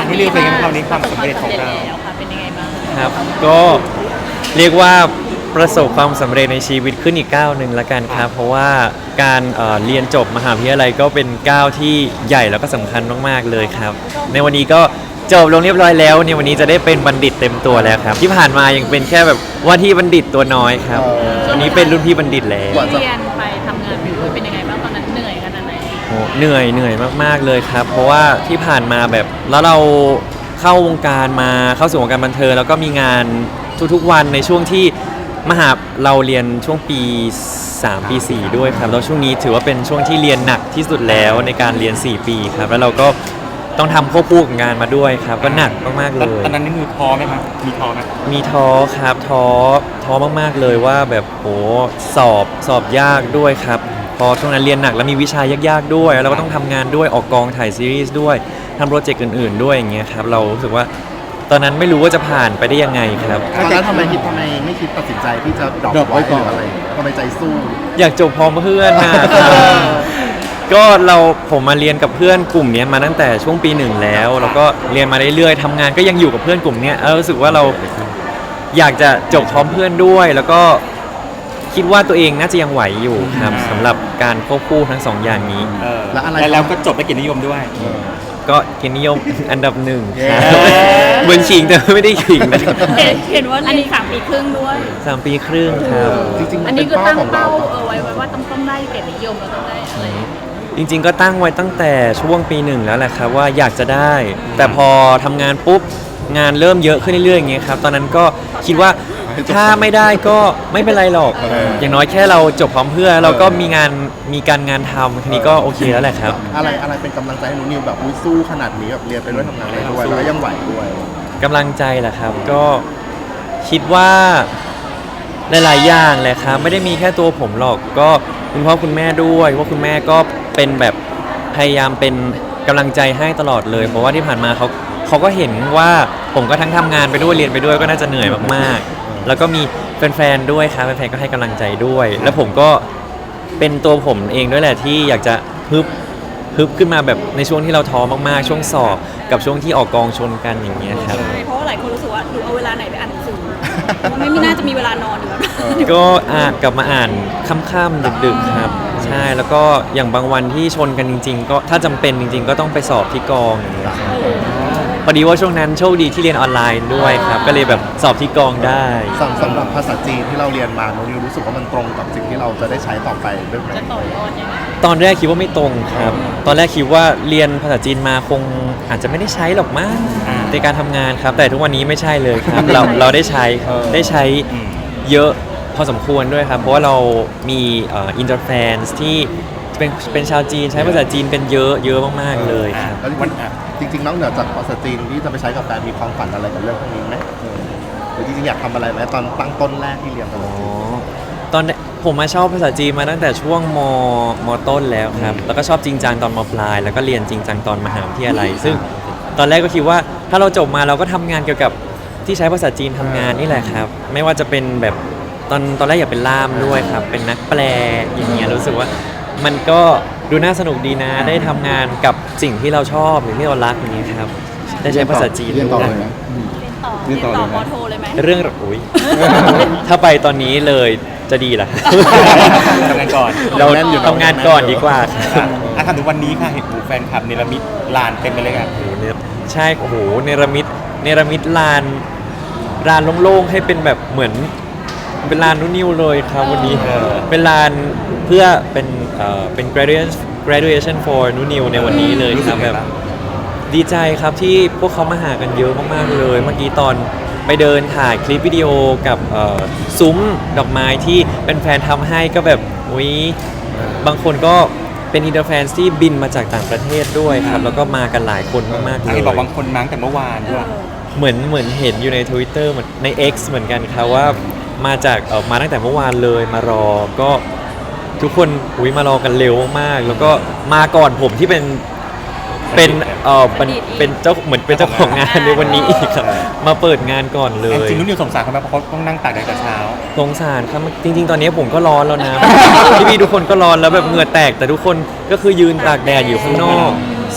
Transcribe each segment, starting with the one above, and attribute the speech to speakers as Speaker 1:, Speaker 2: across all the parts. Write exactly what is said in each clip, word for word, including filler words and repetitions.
Speaker 1: ไม่เรียกเป็นคำนี้ความสำเร็จของเรา
Speaker 2: ค่ะเป็นยังไงบ้าง
Speaker 3: ครับก็เรียกว่าประสบความสำเร็จในชีวิตขึ้นอีกก้าวหนึ่งละกันครับเพราะว่าการเอ่อเรียนจบมหาวิทยาลัยก็เป็นก้าวที่ใหญ่แล้วก็สำคัญมากๆเลยครับในวันนี้ก็จบลงเรียบร้อยแล้วในวันนี้จะได้เป็นบัณฑิตเต็มตัวแล้วครับที่ผ่านมายังเป็นแค่แบบว่าที่บัณฑิตตัวน้อยครับวันนี้เป็นรุ่นพี่บัณฑิตแล้ว
Speaker 2: เรียนไปทำงานไปด้วยเป็นยังไงบ้างตอนนั้นเหนื่อยขนาดไหน
Speaker 3: โอ้เหนื่อยเหนื่อยมากๆเลยครับเพราะว่าที่ผ่านมาแบบแล้วเราเข้าวงการมาเข้าสู่วงการบันเทิงแล้วก็มีงานทุกๆวันในช่วงที่มหาเราเรียนช่วงปีสามปีสี่ด้วยครับแล้วช่วงนี้ถือว่าเป็นช่วงที่เรียนหนักที่สุดแล้วในการเรียนสี่ปีครับแล้วเราก็ต้องทำควบคู่กับงานมาด้วยครับก็หนักมากๆเลย
Speaker 1: ตอนนั้นนี่มือท้อไหมครับมีท้อไหม
Speaker 3: มีท้อครับท้อท้อมากๆเลยว่าแบบโหสอบสอบยากด้วยครับพอช่วงนั้นเรียนหนักแล้วมีวิชายากๆด้วยแล้วเราก็ต้องทำงานด้วยออกกองถ่ายซีรีส์ด้วยทำโปรเจกต์อื่นๆด้วยอย่างเงี้ยครับเรารู้สึกว่าตอนนั้นไม่รู้ว่าจะผ่านไปได้ยังไงครับ
Speaker 4: ตอนนั้นทำไมคิดทำไมไม่คิดตัดสินใจที่จะดรอปไว้ก่อนอะไรทำไมใจสู้
Speaker 3: อยากจบพร้อมเพื่อนนะก็เราผมมาเรียนกับเพื่อนกลุ่มนี้มาตั้งแต่ช่วงปีหนึ่งแล้วแล้วก็เรียนมาเรื่อยๆทำงานก็ยังอยู่กับเพื่อนกลุ่มนี้แล้วรู้สึกว่าเราอยากจะจบพร้อมเพื่อนด้วยแล้วก็คิดว่าตัวเองน่าจะยังไหวอยู่ครับสำหรับการควบคู่ทั้งสองอย่างนี้
Speaker 1: แล้วอะไรแล้วก็จบไปเกียรตินิยมด้วย
Speaker 3: ก็เกียรตินิยมอันดับหนึ่งครับเหมือนขิงแต่ไม่ได้ขิง
Speaker 2: เห็นว่าอันนี้สามปีครึ่งด้วย
Speaker 3: สามปีครึ่งครับ
Speaker 4: จริงๆ
Speaker 2: อันนี้ก็ตั้งเป้าเออไว้ว่าต้องต้องได้เกียรตินิยมแล้วต้องได้อะไร
Speaker 3: จริงๆก็ตั้งไว้ตั้งแต่ช่วงปีหนึ่งแล้วแหละครับว่าอยากจะได้แต่พอทำงานปุ๊บงานเริ่มเยอะขึ้นเรื่อยๆอย่างเงี้ยครับตอนนั้นก็คิดว่าถ้าไม่ได้ก็ไม่เป็นไรหรอกอย่างน้อยแค่เราจบพร้อมเพื่อนเราก็มีงานมีการงานทำทีนี้ก็โอเคแล้วแหละครับ
Speaker 4: อะไรอะไรเป็นกำลังใจให้หนูนิวแบบสู้ขนาดนี้แบบเรียนไปด้วยทำงานไปด้วยแล้วยังไหวด้วย
Speaker 3: กำลังใจแหละครับก็คิดว่าหลายๆอย่างแหละครับไม่ได้มีแค่ตัวผมหรอกก็คุณพ่อคุณแม่ด้วยว่าคุณแม่ก็เป็นแบบพยายามเป็นกำลังใจให้ตลอดเลยเพราะว่าที่ผ่านมาเขาเขาก็เห็นว่าผมก็ทั้งทำงานไปด้วยเรียนไปด้วยก็น่าจะเหนื่อยมากๆแล้วก็มีแฟนๆด้วยครับแฟนๆก็ให้กำลังใจด้วยแล้วผมก็เป็นตัวผมเองด้วยแหละที่อยากจะฮึบฮึบขึ้นมาแบบในช่วงที่เราท้อมากๆช่วงสอบกับช่วงที่ออกกองชนกันอย่างเงี้ยครับ
Speaker 2: เพราะว่าหลายคนรู้สึกว่าดูเอาเวลาไหนไปอ่านหนังสือไม่มีน่าจะมีเวลานอนอยู่แล้ว
Speaker 3: ก็อ่านกลับมาอ่านค่ำๆดึกๆครับใช่แล้วก็อย่างบางวันที่ชนกันจริงๆก็ถ้าจำเป็นจริงๆก็ต้องไปสอบที่กองพอดีว่าช่วงนั้นโชคดีที่เรียนออนไลน์ด้วยครับก็เลยแบบสอบที่กองได้
Speaker 4: สำหรับภาษาจีนที่เราเรียนมาหนูนิวรู้สึกว่ามันตรงกับสิ่งที่เราจะได้ใช้ต่อไปด้วยไหม
Speaker 3: ตอนแรกคิดว่าไม่ตรงครับตอนแรกคิดว่าเรียนภาษาจีนมาคงอาจจะไม่ได้ใช้หรอกมั้งในการทำงานครับแต่ทุกวันนี้ไม่ใช่เลยครับเราเราได้ใช้ได้ใช้เยอะพอสมควรด้วยครับเพราะว่าเรามีอินเตอร์แฟนที่เป็นเป็นชาวจีนใช้ภาษาจีนเป็นเยอะเยอะมากๆเลยครับ
Speaker 4: จริงๆน้องเหนือจากภาษาจีนที่จะไปใช้กับการมีความฝันอะไรกับเรื่องพวกนี้ไหมหรือจริงๆอยากทำอะไรไหมตอนตั้งต้นแรกที่เรียนภาษาจีน
Speaker 3: ตอนผมมาชอบภาษาจีนมาตั้งแต่ช่วงมมต้นแล้วครับแล้วก็ชอบจริงจังตอนมปลายแล้วก็เรียนจริงจังตอนมหาวิทยาลัยซึ่งตอนแรกก็คิดว่าถ้าเราจบมาเราก็ทำงานเกี่ยวกับที่ใช้ภาษาจีนทำงานนี่แหละครับไม่ว่าจะเป็นแบบตอนตอนแรกอยากเป็นล่ามด้วยครับเป็นนักแปลอย่างเงี้ยรู้สึกว่ามันก็ดูน่าสนุกดีนะได้ทำงานกับสิ่งที่เราชอบหรือที่เรารักอย่างนี้ครับได้ใช้ภาษาจีน
Speaker 4: เรียนต่อเลยไหม
Speaker 2: เรียนต่อปอโทเลยไหม
Speaker 3: เรื่องอุ้ยถ้าไปตอนนี้เลยจะดีล่ะ
Speaker 1: ทำงานก่อน
Speaker 3: เราทำงานก่อนดีกว่า
Speaker 1: อ่ะทำถึงวันนี้ค่ะเห็นหมู่แฟนคลับเนรมิตลานเต็มไปเลยค่ะ
Speaker 3: ใช่โอ้โหเนรมิตเนรมิตลานลานโล่งๆให้เป็นแบบเหมือนเป็นลานนุ่นนิวเลยครับวันนี้เป็นลานเพื่อเป็นเอ่อเป็น graduation graduation for นุ่นนิวในวันนี้เลยครับแบบดีใจครับที่พวกเขามาหากันเยอะมากๆเลยเมื่อกี้ตอนไปเดินถ่ายคลิปวิดีโอกับซุ้มดอกไม้ที่เป็นแฟนทำให้ก็แบบอุ้ยบางคนก็เป็นอินเตอร์แฟนที่บินมาจากต่างประเทศด้วยครับแล้วก็มากันหลายคนมากๆเลย
Speaker 1: บอกบางคนมาตั้งแต่เมื่อวานด้วย
Speaker 3: เหมือนเหมือนเห็นอยู่ใน Twitter เหมือนใน X เหมือนกันครับว่ามาจากเออมาตั้งแต่เมื่อวานเลยมารอก็ทุกคนอุ้ยมารอกันเร็วมากแล้วก็มาก่อนผมที่เป็นเป็นเออเป็นเป็นเจ้าเหมือนเป็นเจ้าของงานในวันนี้อีกครับมาเปิดงานก่อนเลย
Speaker 1: จริงๆนุ่นนิวสงสารเขาไหมเพราะเขาต้องนั่งตากแดดแต่เช้า
Speaker 3: สงสารครับจริงๆตอนนี้ผมก็ร้อนแล้วนะพี่ๆทุกคนก็ร้อนแล้วแบบเหงื่อแตกแต่ทุกคนก็คือยืนตากแดดอยู่ข้างนอก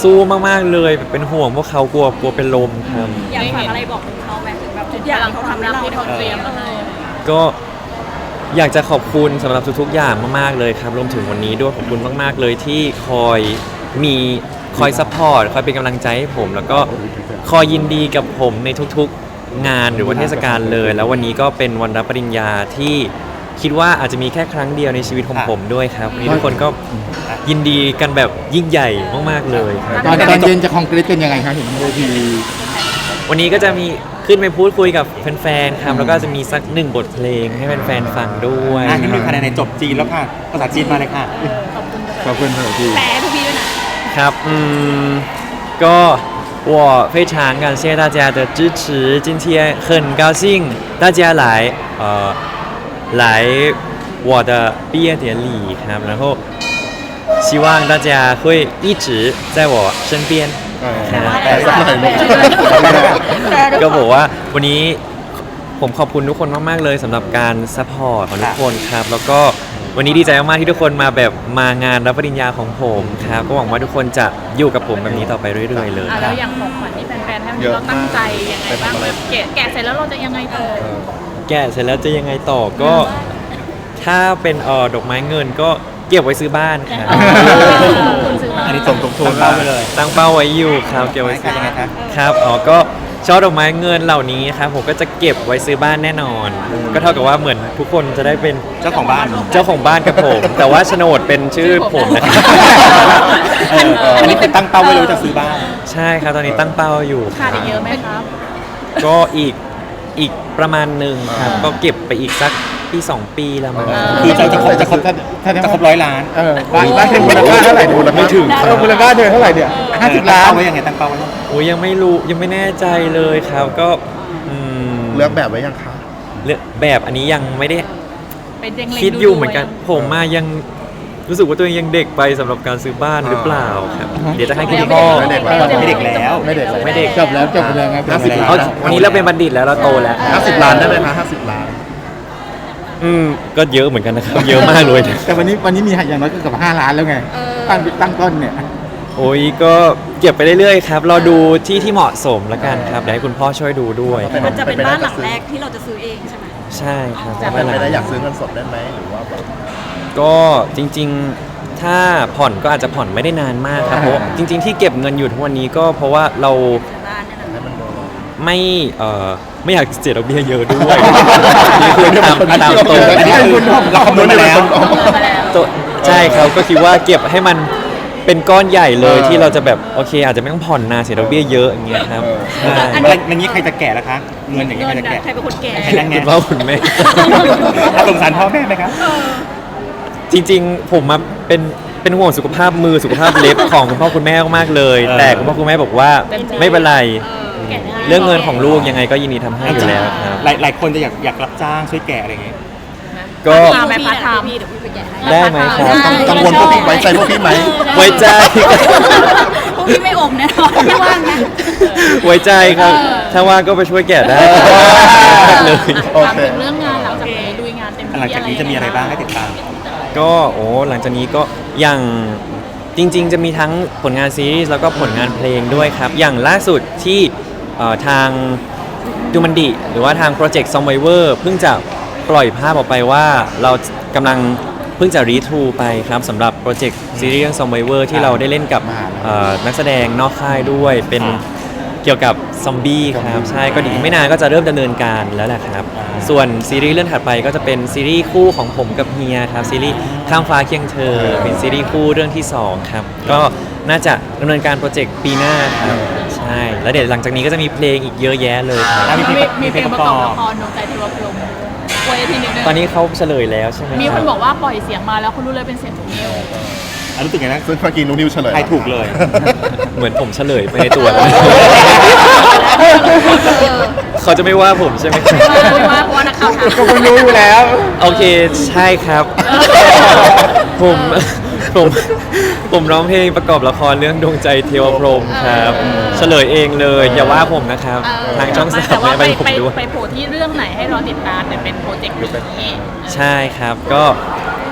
Speaker 3: สู้มากๆเลยเป็นห่วงพวกเขากลัวกลัวเป็นลมครับ
Speaker 2: อยากฝากอะไรบอกถึงเขาไหมถึงแบบทุกอย่างที่เขาทำให้เรา
Speaker 5: ที่เขาเตรียม
Speaker 2: เออ
Speaker 3: ก็อยากจะขอบคุณสำหรับทุกๆอย่างมากๆเลยครับรวมถึงวันนี้ด้วยขอบคุณมากๆเลยที่คอยมีคอยซัพพอร์ตคอยเป็นกำลังใจให้ผม แล้วก็คอยยินดีกับผมในทุกๆงานหรือว่าเทศกาลเลย แล้ววันนี้ก็เป็นวันรับปริญญาที่คิดว่าอาจจะมีแค่ครั้งเดียวในชีวิตของผมด้วยครับวันนี้ทุกคนก็ยินดีกันแบบยิ่งใหญ่มากๆเลยครับ
Speaker 6: ตอนตอนเย็นจะคอนกรีตเป็นยังไงครับเห็นเวที
Speaker 3: วันนี้ก็จะมีขึ้นไปพูดคุยกับแฟนๆครับแล้วก็จะมีสักหนึ่งบทเพลงให้แฟนๆฟังด้วย
Speaker 1: อ่ะนิดนึงค่ะในๆจบจีนแล้วค่ะภาษาจีนมาเลยค่ะ
Speaker 6: ขอบคุณเวที
Speaker 2: แปลให้พวกพี่ด้วยนะครับ
Speaker 3: อืมก็我非常感谢大家的支持，今天很高兴大家来呃来我的毕业典礼ครับ然后希望大家会一直在我身边
Speaker 4: แต่สักหน่อยลูก
Speaker 3: ก็บอกว่าวันนี้ผมขอบคุณทุกคนมากๆเลยสำหรับการซัพพอร์ตของทุกคนครับ แล้วก็วันนี้ดีใจมากๆที่ทุกคนมาแบบมางานรับปริญญาของผมครับ ก็หวังว่าทุกคนจะอยู่กับผมแบบนี้ต่อไปเรื่อยๆเลย
Speaker 5: อ่ะแล้วอย่างของขวัญที่แฟนๆให้วันนี้เราตั้งใจยังไงบ้างแบบแกะแกะเสร็จแล้วเราจะยังไงต่อ
Speaker 3: แกะเสร็จแล้วจะยังไงต่อก็ถ้าเป็นเออดอกไม้เงินก็เก็บไว้ซื้อบ้านครับ
Speaker 5: คุณซื้อมา
Speaker 1: อันนี้ส่งตรงทุนเป้าไปเลย
Speaker 3: ตั้งเป้าไว้อยู่ครับเก็บไว้
Speaker 1: ไม่
Speaker 3: ซื้
Speaker 1: ค่ะ
Speaker 3: อ
Speaker 1: ยังไงคะ
Speaker 3: ครับอ๋อก็ช่อดอกไม้เงินเหล่านี้ครับผมก็จะเก็บไว้ซื้อบ้านแน่นอน ก็เท่ากับว่าเหมือนทุกคนจะได้เป็น
Speaker 1: เจ้าของบ้าน
Speaker 3: เจ้าของบ้านกับผม แต่ว่าโฉนดเป็นชื่อผมนะครับ
Speaker 1: เอออันนี้คือตั้งเป้าไว้เลยว่าจะซื้อบ้าน
Speaker 3: ใช่ครับตอนนี้ตั้งเป้าอยู่
Speaker 5: ขาดอีกเยอะไหมครับ
Speaker 3: ก็อีกอีกประมาณหนึ่งครับก็เก็บไปอีกสักปีสองปีแล้วมั้ง
Speaker 1: คือจะจะครบจะครบ
Speaker 6: ถ้า
Speaker 1: จะครบร้อยล้าน
Speaker 6: เออบ้านบ้านเป็นมูลค่าเท่าไหร่มูลค่า
Speaker 3: ไม่ถึง
Speaker 6: เออมูลค่าเดือนเท่าไหร่เนี่ยห้าสิบล้าน
Speaker 1: ตั้งเป้าไว้ยังไงตั้งเป้าไว้
Speaker 3: โอ้ยยังไม่รู้ยังไม่แน่ใจเลยครับก็อืม
Speaker 4: เลือกแบบไว้ยังคะ
Speaker 3: เลือกแบบอันนี้ยังไม่ได้
Speaker 5: เป็นเด็งเล็ง
Speaker 3: คิดอยู่เหมือนกันผมมายังรู้สึกว่าตัวเองยังเด็กไปสำหรับการซื้อบ้านหรือเปล่าครับ เดี๋ยวจะให้คุณพ่อ
Speaker 4: ไม่เด็กแล้ว
Speaker 1: ไม่เด็กแล้ว
Speaker 6: ไม่เด็ก
Speaker 3: ไม่เด็ก
Speaker 6: จบแล้วจบไปเลยไง
Speaker 4: ห้าสิบล้
Speaker 3: เอาวันนี้เราเป็นบัณฑิตแล้วเราโตแล้ว
Speaker 4: ห้าสิบล้านได้ไหมคะห้าสิบล้าน
Speaker 3: อืมก็เยอะเหมือนกันนะครับ เยอะมากเลยนะ
Speaker 6: แต่วันนี้วันนี้มีอย่างน้อยก็เกือบห้าล้านแล้วไงตั้งตั้งต้นเนี่ย
Speaker 3: โอ้ยก็เก็บไปเรื่อยๆครับรอดูที่ที่เหมาะสมแล้วกันครับเดี๋ยวให้คุณพ่อช่วยดูด้วยครับ
Speaker 2: มันจะเป็นบ้านหลังแรกที่เราจะซื้อเองใช่ไหม
Speaker 3: ใช่ครับ
Speaker 4: จะเป็นไปได้อยากซื้อเงินสดได้ไหมหรือว่าแบบ
Speaker 3: ก็จริงๆถ้าผ่อนก็อาจจะผ่อนไม่ได้นานมากครับเพราะจริง ๆ ที่เก็บเงินอยู่ทุกวันนี้ก็เพราะว่าเรา
Speaker 2: บ้านเนี่ยนะ
Speaker 4: ให้มันโดน
Speaker 3: ไม่เอ่อไม่อยากเสียดอกเบี้ยเยอะด้วย นี่คือตามตามตัว
Speaker 1: อันนี้คือเราคำนวณมาแล้ว
Speaker 3: ตัวใช่ครับก็คิดว่าเก็บให้มันเป็นก้อนใหญ่เลย
Speaker 4: เออ
Speaker 3: ที่เราจะแบบโอเค อาจจะไม่ต้องผ่อนนานเสียดอกเบี้ยเยอะอย่างเงี้ยครับใช่
Speaker 1: อันอย่างนี้ใครจะแก่ล่ะคะ เงินอย่างนี้
Speaker 2: เงิ
Speaker 1: ใคร
Speaker 2: น
Speaker 1: จะ
Speaker 2: นะ
Speaker 1: แก่
Speaker 2: ใครเป็นคนแก่
Speaker 1: ใครนั่งไง
Speaker 3: คุณพ่อคุณแม่
Speaker 1: ถ้าสงสารพ่อแม่ไหมครับ
Speaker 3: จริงๆ ผมมาเป็นเป็นห่วงสุขภาพมือสุขภาพเล็บของคุณพ่อคุณแม่มากๆเลย
Speaker 1: เออ
Speaker 3: แต่คุณพ่อคุณแม่บอกว่าไม่เป็นไร
Speaker 2: แก่ง่าย
Speaker 3: เรื่องเงินของลูกยังไงก็ยินดีทำให้อยู่แล้วครับ
Speaker 1: หลายหลายคนจะอยากอยากรับจ้างช่วยแก่อะไรอย่างเงี้ย
Speaker 3: ก็
Speaker 2: พาไปพาร์ทไทม์พี่เดี๋ยวพี่ไปแก่ให้
Speaker 3: ได้ไหมครับ
Speaker 4: กังวลพวกพี่ไว้ใจพวกพี่ไหม
Speaker 3: ไว้ใจ
Speaker 2: พวกพี่ไม่อมแน่นอนไม่ว่างนะ
Speaker 3: ไว้ใจครับ ถ้าว่างก็ไปช่วยแกะได้เลย
Speaker 4: โอ
Speaker 5: ถาม
Speaker 4: เค
Speaker 5: ถึงเรื่องงานหลังจากนี้ลุยงานเต็มที่
Speaker 1: หลังจากนี้จะมีอะไรบ้างให้ติดตาม
Speaker 3: ก็โอ้หลังจากนี้ก็อย่างจริง ๆ จะมีทั้งผลงานซีรีส์แล้วก็ผลงานเพลงด้วยครับ อย่างล่าสุดที่เอ่อทางดูมันดิหรือว่าทางโปรเจกต์ซอมไวเวอร์เพิ่งจะปล่อยภาพออกไปว่าเรากำลังเพิ่งจะรีทรูไปครับสำหรับโปรเจกต์ซีรีส์เรื่องซอมไวเวอร์ที่เราได้เล่นกับเอ่อนักแสดงนอกค่ายด้วยเป็นเกี่ยวกับซอมบี้ครับใช่ก็ดีไม่นานก็จะเริ่มดำเนินการแล้วแหละครับ
Speaker 1: อ่า
Speaker 3: ส่วนซีรีส์เรื่องถัดไปก็จะเป็นซีรีส์คู่ของผมกับเฮียครับซีรีส์ข้ามฟ้าเคียงเธอ เป็นซีรีส์คู่เรื่องที่สองครับก็น่าจะดำเนินการโปรเจกต์ปีหน้าครับใช่แล้วเดี๋ยวหลังจากนี้ก็จะมีเพลงอีกเยอะแยะเลยครับ
Speaker 1: แล้วมีเพลง
Speaker 5: มี
Speaker 1: มี
Speaker 5: เพ
Speaker 1: เพ
Speaker 5: ล
Speaker 1: ล
Speaker 5: ง
Speaker 1: ง
Speaker 5: ป
Speaker 1: ประ ระ
Speaker 5: ก
Speaker 1: ก
Speaker 5: อ
Speaker 1: อ
Speaker 5: บบ ละครดวงใจเทวพรหมไว้ทีหนึงด้วย
Speaker 3: ตอนนี้เขาเฉลยแล้วใช่ไหม
Speaker 5: มี
Speaker 3: ค
Speaker 5: ค
Speaker 3: รั
Speaker 5: น
Speaker 3: บ
Speaker 5: บอกว่าปล่อยเสียงมาแล้วคุณรู้เลยเป็นเสียงของนิว
Speaker 1: อ่ะรู้สึกไงนะ
Speaker 4: ซึ่งเมื่อกี้นุ้นิวเฉลย
Speaker 1: ใครถูกเลย
Speaker 3: เหมือนผมเฉลยไปในตัวแล้วเขาจะไม่ว่าผมใช่ไหมครับ
Speaker 5: ไม่ว่าเพราะว่านักข่าวถาม
Speaker 6: ก็คุณรู้อยู่แล้ว
Speaker 3: โอเคใช่ครับ ผมผมผมร้องเพลงประกอบละครเรื่องดวงใจเทวพรหมครับ เฉลยเองเลยอย่าว่าผมนะครับ ทางช่องสาม
Speaker 5: แต่ว่า
Speaker 3: ไม่
Speaker 5: ไป
Speaker 3: ไปผม
Speaker 5: ไป
Speaker 3: ด้วย
Speaker 5: ไปโผล่ที่เรื่องไหนให้รอติดตามแต่เป็นโปรเจกต์นี้
Speaker 3: ใช่ครับก็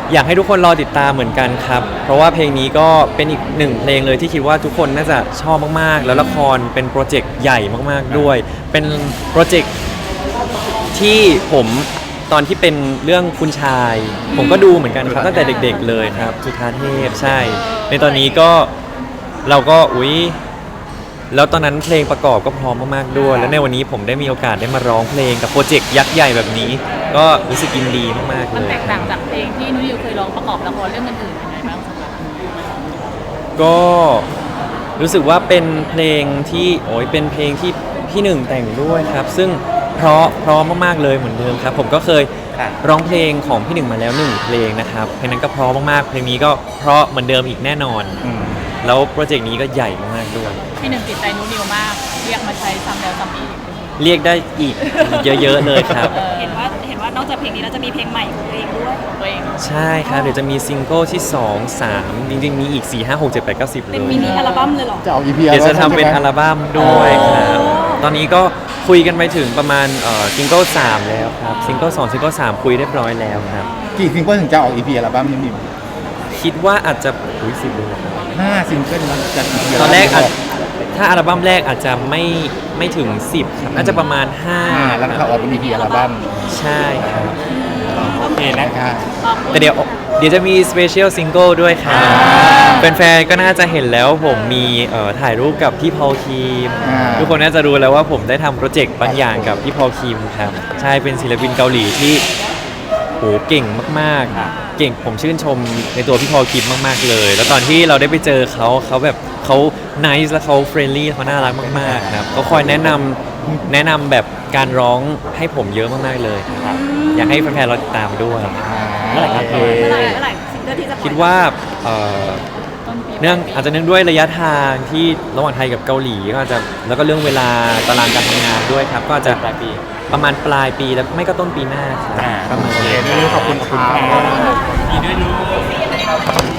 Speaker 3: อยากให้ทุกคนรอติดตามเหมือนกันครับ เพราะว่าเพลงนี้ก็เป็นอีกหนึ่งเพลงเลยที่คิดว่าทุกคนน่าจะชอบมากๆ แล้วละครเป็นโปรเจกต์ใหญ่มากๆด้วย เป็นโปรเจกต์ที่ผมตอนที่เป็นเรื่องคุณชาย ผมก็ดูเหมือนกันครับตั้งแต่เด็กๆเลยครับจุฑาเทพใช่ ในตอนนี้ก็เราก็อุ๊ยแล้วตอนนั้นเพลงประกอบก็พร้อมมากๆด้วย แล้วในวันนี้ผมได้มีโอกาสได้มาร้องเพลงกับโปรเจกต์ยักษ์ใหญ่แบบนี้ ก็รู้สึกยินดีมากๆ
Speaker 5: มัน
Speaker 3: เลย
Speaker 5: แตกต่างจากเพลงที่นุ้ยเคยร้องประกอบละครเรื่องอื่นๆยังไงบ้างสำหรับ
Speaker 3: ก็รู้สึกว่าเป็นเพลงที่โอ้ยเป็นเพลงที่พี่หนึ่งแต่งด้วยครับ ซึ่งเพราะเพราะมากๆเลยเหมือนเดิมครับ ผมก็เคย
Speaker 1: ค่ะ
Speaker 3: ร้องเพลงของพี่หนึ่งมาแล้วหนึ่งเพลงนะครับเพลงนั้นก็เพราะมากๆเพลงนี้ก็เพราะเหมือนเดิมอีกแน่นอน
Speaker 1: อืม
Speaker 3: แล้วโปรเจกต์นี้ก็ใหญ่มากๆด้วย
Speaker 5: พี่หนึ่งติดใจนุ้นิวมาก เรียกมาใช้ซ้ำแล้วซ้ำอีก
Speaker 3: เรียกได้อีกเยอะๆเลยครับ
Speaker 5: เออ
Speaker 2: เห็นว่าเห็นว่านอกจากเพลงนี้แล้วจะมีเพลงใหม่ของตัวเองด้วย
Speaker 5: ตัวเอง
Speaker 3: ใช่ครับ เดี๋ยวจะมีซิงเกิลที่สอง สามจริงๆมีอีกสี่ ห้า หก เจ็ด แปด เก้า สิบเล
Speaker 2: เป็น
Speaker 3: ย
Speaker 2: มินิอัลบั้มเลยเหรอ
Speaker 6: จะออก อี พี
Speaker 3: เดี๋ยวจะทำเป็นอัล
Speaker 6: บั้ม
Speaker 3: บั้มด้วยครับ ตอนนี้ก็คุยกันไปถึงประมาณเอ่อซิงเกิลสามแล้วครับ ซิงเกิลสองซิงเกิลสามคุยเรียบร้อยแล้วครับ
Speaker 6: กี่ซิงเกิลถึงจะออก อี พี อัลบั้มนี้มี
Speaker 3: คิดว่าอาจจะอุ้ยสิบเลยครับ
Speaker 6: ห้าซิงเกิลนะจาก อี พี
Speaker 3: ตอนแรกอาจถ้าอัลบั้มแรกอาจจะไม่ไม่ถึงสิบครับน่าจะประมาณห้า
Speaker 6: ห้าแล้วก็ออกเป็น อี พี อัลบั้ม
Speaker 3: ใช่ครับ
Speaker 1: โอเคนะ
Speaker 6: นะคะ
Speaker 5: ขอบคุณ
Speaker 3: แต่เดี๋ยวเดี๋ยวจะมีสเปเชียลซิงเกิลด้วยครับแฟนๆก็น่าจะเห็นแล้วผมมีเอ่อถ่ายรูปกับพี่พอลคีม
Speaker 6: อ่า
Speaker 3: ทุกคนน่าจะรู้แล้วว่าผมได้ทำโปรเจกต์บางอย่างกับพี่พอลคีมครับ ใช่เป็นศิลปินเกาหลีที่โหเก่งมากๆ เก่งผมชื่นชมในตัวพี่พอลคีมมากๆเลย แล้วตอนที่เราได้ไปเจอเขาเขาแบบเขาไนซ์และเขาเฟรนลี่เขาน่ารักมากๆครับเขาคอยแนะนำแนะนำแบบการร้องให้ผมเยอะมากๆเลยครับอยากให้แฟนๆเราติดตามด้วย
Speaker 1: เมื่อไหร่ครับ
Speaker 6: โอ
Speaker 2: เมื่อ
Speaker 6: เค
Speaker 2: ไหร่เมื่อไหร่ซิงเกิลที่จะปล่อย
Speaker 3: คิดว่าเอ่อ
Speaker 5: ต้นปี
Speaker 3: เนื่องอาจจะเนื่องด้วยระยะทางที่ระหว่างไทยกับเกาหลีก็อาจจะแล้วก็เรื่องเวลาตารางการทำงานด้วยครับ ก็อาจจะปลายปีประมาณปลายปีแล้วไม่ก็ต้นปีหน้าครับ
Speaker 1: อ่า
Speaker 3: ประมาณ
Speaker 1: โอเค
Speaker 3: นี้
Speaker 1: นุ้ยขอบคุณครับ
Speaker 6: ครับ
Speaker 1: ดีด้วยนุ้ย